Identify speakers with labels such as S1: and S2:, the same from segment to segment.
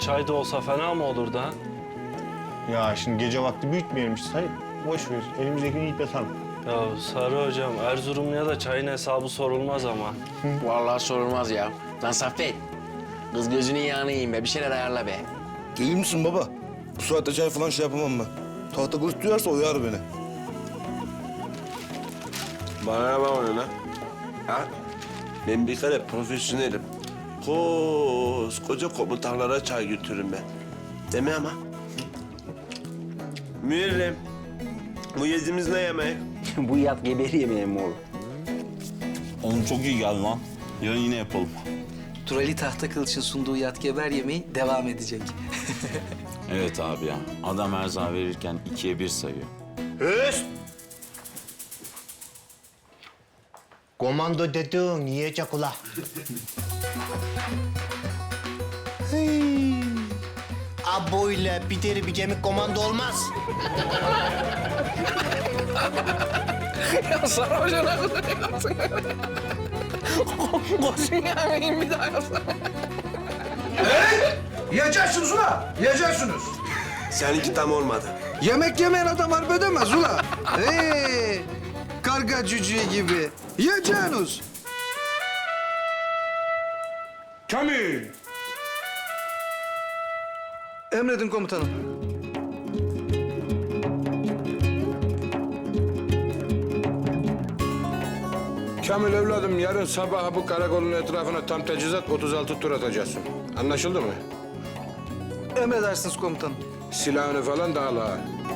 S1: çay da olsa fena mı olur da?
S2: Ya şimdi gece vakti büyütmeyelim işte. Hadi boş ver. Elimizdekini yiyip yatalım.
S1: Ya Sarı hocam, Erzurumlu'ya da çayın hesabı sorulmaz ama.
S3: Vallahi sorulmaz ya. Lan Saffet, kız gözünün yağını yiyeyim be. Bir şeyler ayarla be.
S4: İyi misin baba? Bu saatte çay falan şey yapamam ben. Tahta kılıç duyarsa uyar beni.
S5: Bana ne bak öyle lan? Ha? Ben bir kere profesyonelim. Koskoca komutanlara çay götürürüm ben. Değil mi ama? Müellim, bu yediğimiz ne yemek?
S3: Bu yat geberi yemeği mi oğlum?
S6: Oğlum çok iyi geldi lan. Yarın yine yapalım.
S7: Turali Tahta Kılıç'ın sunduğu yatgeber yemeği devam edecek.
S6: Evet abi ya. Adam erza verirken 2'ye 1 sayıyor.
S2: Höst! Komando dedin, yiyecek ula. Aboyla bir deri bir kemik komando olmaz.
S7: Ya Sarı Hoca ne kadar yapsın? Koşun yemeğin bir daha yapsana.
S8: Yiyeceksiniz ula, yiyeceksiniz.
S5: Seninki tam olmadı.
S8: Yemek yemeyen adam harp edemez ula. Karga cücüğü gibi. Yiyeceksiniz.
S5: Kamil!
S8: Emredin komutanım.
S9: Kamil evladım, yarın sabah bu karakolun etrafına tam tecizat 36 tur atacaksın. Anlaşıldı mı?
S8: Emredersiniz komutanım.
S9: Silahını falan da al ha.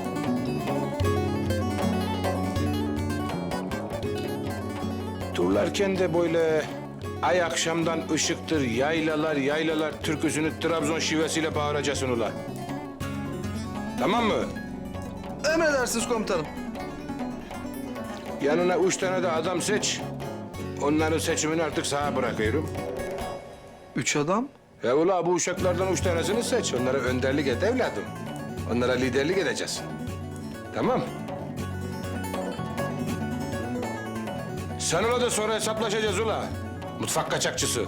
S9: Turlarken de böyle ay akşamdan ışıktır, yaylalar yaylalar türküsünü Trabzon şivesiyle bağıracaksın ula. Tamam mı?
S8: Emredersiniz komutanım.
S9: Yanına 3 tane de adam seç. Onların seçimini artık sana bırakıyorum.
S8: 3 adam.
S9: Ya ula bu uşaklardan 3 tanesini seç. Onlara önderlik et evladım. Onlara liderlik edeceksin. Tamam. Sen da sonra hesaplaşacağız ula. Mutfak kaçakçısı.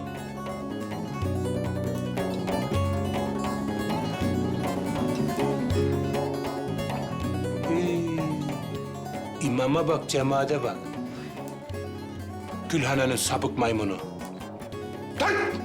S9: İmama bak, cemaate bak. Gülhane'nin sapık maymunu. Lan!